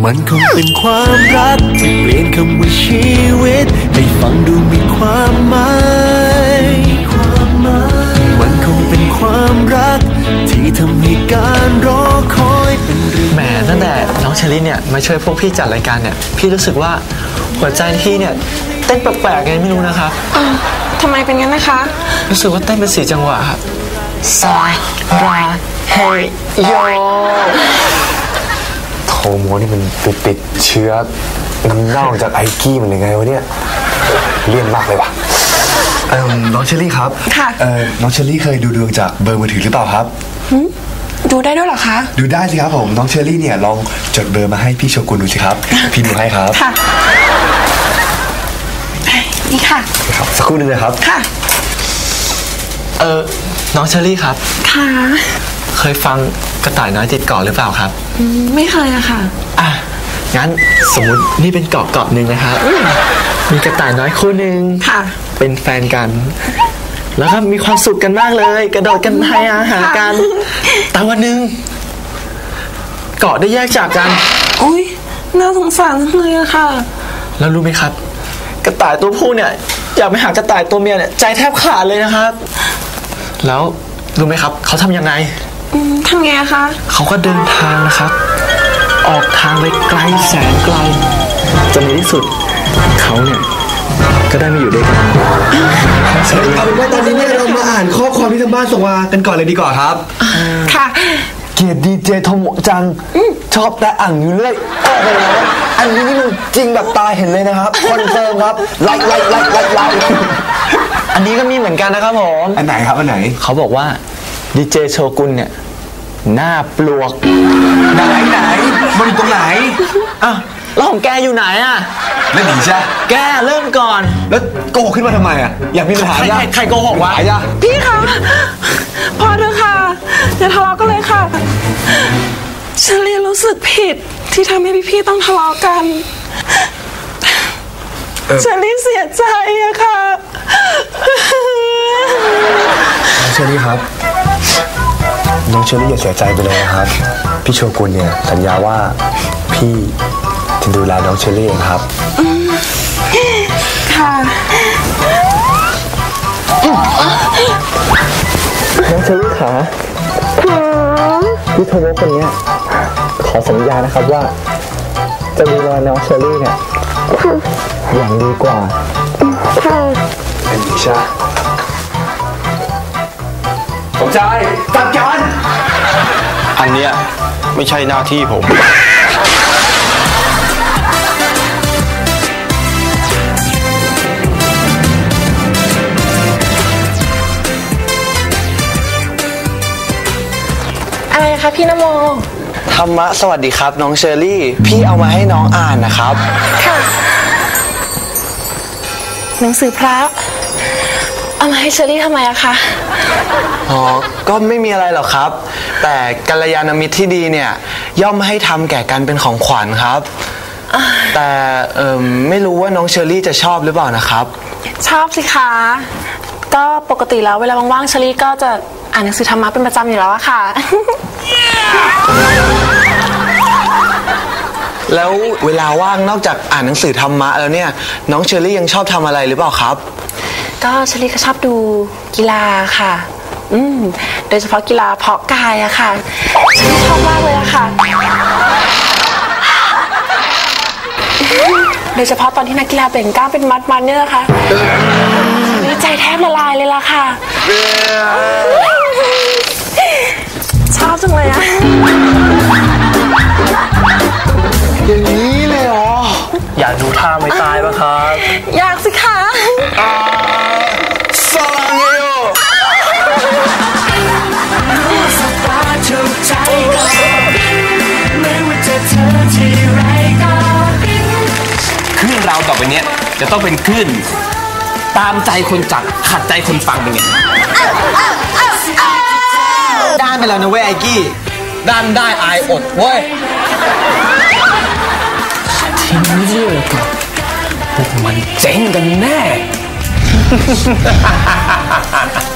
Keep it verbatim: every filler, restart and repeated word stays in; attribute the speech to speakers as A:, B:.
A: มันคงเป็นความรักที่เปลี่ยนคำว่าชีวิตให้ฟังดูมีความหมายมันคงเป็นความรักที่ทำให้การรอคอยเป็นเรื่องแหมตั้งแต่น้องเชอรี่เนี่ยมาช่วยพวกพี่จัดรายการเนี่ยพี่รู้สึกว่าหัวใจพี่เนี่ยเต้นแปลกๆไงไม่รู้นะครับ
B: ทำไมเป็นงั้นนะคะ
A: รู้สึกว่าเต้นเป็นสี่จังหวะครับ
B: ซาราเฮโย
C: โทโมนี่มันติดติดเชื้อน้ำเน่าจากไอกี้มันยังไงวะเนี่ยเลี่ยนมากเลยว่ะเออน้องเชอรี่ครับ
B: ค่ะ
C: เออน้องเชอรี่เคยดูดวงจากเบอร์มือถือหรือเปล่าครับ
B: ดูได้ด้วยเหรอคะ
C: ดูได้สิครับผมน้องเชอรี่เนี่ยลองจดเบอร์มาให้พี่โชกุนดูสิครับพี่ดูให้ครับ
B: ค่ะนี่ค่ะ
C: ครับสักครู่นึงนะครับ
B: ค่ะ
A: เออน้องเชอรี่ครับ
B: ค่ะ
A: เคยฟังกระต่ายน้อยติดเกาะหรือเปล่าครับ
B: ไม่เคยอะค่ะ
A: อ่ะงั้นสมมุตินี่เป็นเกาะเกาะหนึ่งนะครับมีกระต่ายน้อยคู่หนึ่ง
B: ค่ะ
A: เป็นแฟนกันแล้วก็มีความสุขกันมากเลยกระโดดกันให้อาหารกันแต่วันหนึ่งเกาะได้แยกจากกัน
B: อุ้ยน่าสงสารเลยอะค่ะ
A: แล้วรู้ไหมครับกระต่ายตัวผู้เนี่ยอยากไปหากระต่ายตัวเมียเนี่ยใจแทบขาดเลยนะครับแล้วรู้ไหมครับเขาทำยังไง
B: ทำไงคะ
A: เขาก็เดินทางนะครับออกทางไปไกลแสนไกลจนในที่สุดเขาเนี่ยก็ได้มาอยู่ด้วยกัน
C: เอาเป็นว่าตอนนี้เนี่ยเรามาอ่านข้อความที่ทางบ้านส่งมากันก่อนเลยดีกว่าครับ
B: ค่ะ
C: เกียรติดีเจโทโมจังชอบแต่อ่างอยู่เรื่อยโอ้โหอันนี้นี่มันจริงแบบตาเห็นเลยนะครับคอนเฟิร์มครับไลค์ไลค์ไลค์ไลค์ไลค์
A: อันนี้ก็มีเหมือนกันนะครับผม
C: อันไหนครับอันไหน
A: เขาบอกว่าดีเจโชกุนเนี่ยหน้าปลวก
C: ไหนไหนมันอยู่ตรงไหน
A: อ่ะแล้วของแกอยู่ไหนอ่ะ
C: ไม่หนีใช่
A: แกเริ่มก่อน
C: แล้วโกหกขึ้นมาทำไมอ่ะอยากมีปัญหา
A: ใครใครโกหกวะ
B: พี่คะพอเถอะค่ะอย่าทะเลาะกันเลยค่ะฉันเรียนรู้สึกผิดที่ทำให้พี่ๆต้องทะเลาะกันฉันรีเสียใจอะค่ะ
C: น้องเชอรี่ครับน้องเชอรี่อย่าเสียใจไปเลยนะครับพี่โชกุนเนี่ยสัญญาว่าพี่จะดูแลน้องเชอรี่เองครับ
B: ค่ะ
A: น้องเชอรี่ขาพี่โทโมคนนี้ขอสัญญานะครับว่าจะดูแลน้องเชอรี่เนี่ยอย่างดีกว่า
C: เป็นดิชาสมชายจัดการ
D: อันเนี้ยไม่ใช่หน้าที่ผม
B: อะไรคะพี่นโม
A: ธรรมะสวัสดีครับน้องเชอรี่พี่เอามาให้น้องอ่านนะครับ
B: ค่ะหนังสือพระเอามาให้เชอรี่ทำไมอะคะ
A: อ๋อก็ไม่มีอะไรหรอกครับแต่กัลยาณมิตรที่ดีเนี่ยย่อมให้ทำแก่กันเป็นของขวัญครับแต่เอ่อไม่รู้ว่าน้องเชอรี่จะชอบหรือเปล่านะครับ
B: ชอบสิคะก็ปกติแล้วเวลาว่างๆเชอรี่ก็จะอ่านหนังสือธรรมะเป็นประจำอยู่แล้วอะค่ะ
A: แล้วเวลาว่างนอกจากอ่านหนังสือธรรมะแล้วเนี่ยน้องเชอรี่ยังชอบทำอะไรหรือเปล่าครับ
B: ก็เชอรี่ก็ชอบดูกีฬาค่ะอืมโดยเฉพาะกีฬาเพาะกายอะค่ะเชอรี่ชอบมากเลยอะค่ะโดยเฉพาะตอนที่นักกีฬาเบ่งกล้ามเป็นมัดๆเนี่ยนะคะใจแทบละลายเลยล่ะค่ะชอบจังเลยอะ
A: อย่างนี้เลยเหรออยากดูท่าไม่ตายป่ะครับ
B: อยากสิคะ
A: สลังเอโย
D: คลื่นเราต่อไปเนี้ยจะต้องเป็นคลื่นตามใจคนจัดขัดใจคนฟังเป็นไง
A: ด้านไปแล้วนะเว้ยไอ้กี้ด้านได้อายอดเว้ยทีนี้เรื่องกับพวกมันเจ๊งกันแน่